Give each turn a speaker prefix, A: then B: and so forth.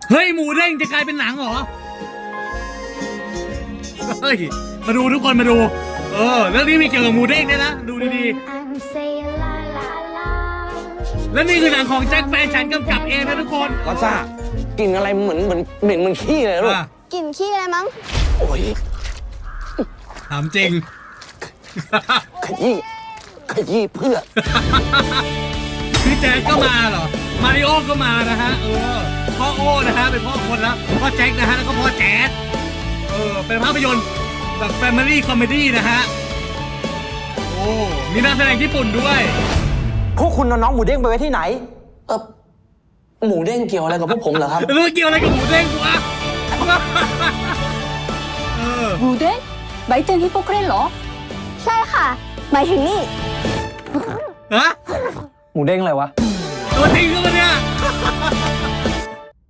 A: เฮ้ยหมูเด้งจะกลายเป็นหนังเหรอเฮ้ยมาดูทุกคนมาดูเรื่องนี้มีเกี่ยวกับหมูเด้งด้วยนะดูดีๆและนี่คือหนังของแจ็คแฟนฉันกำกับเองนะทุกคน
B: ก็ซ่ากลิ่นอะไรเหมือนเหม็นขี้เลยลูก
C: กลิ่นขี้อะไรมั้ง
B: โอ้ย
A: ถามจริง
B: ขยี้เพื่อ
A: พี่แจ็คก็มาเหรอมาริโอก็มานะฮะพ่อโอ้นะฮะเป็นพ่อคนแล้วพ่อแจ็คนะฮะแล้วก็พ่อแจ๊ดเป็นภาพยนตร์แบบแฟมิลี่คอมเมดี้นะฮะโอ้มีนักแสดงญี่ปุ่นด้วย
D: พวกคุณเอาน้องหมูเด้งไปไว้ที่ไหน
B: หมูเด้งเกี่ยวอะไรกับพวกผมเหรอครับ
A: แล้วเกี่ยวอะไรกับหมูเด้งวะ
E: หมูเด้งใบเตนฮิปโปเครนเหรอ
C: ใช่ค่ะ หมายถึงนี่
A: ฮะ
D: หมูเด้งอะไรวะ
A: ตัวจริงก็มาเนี่ย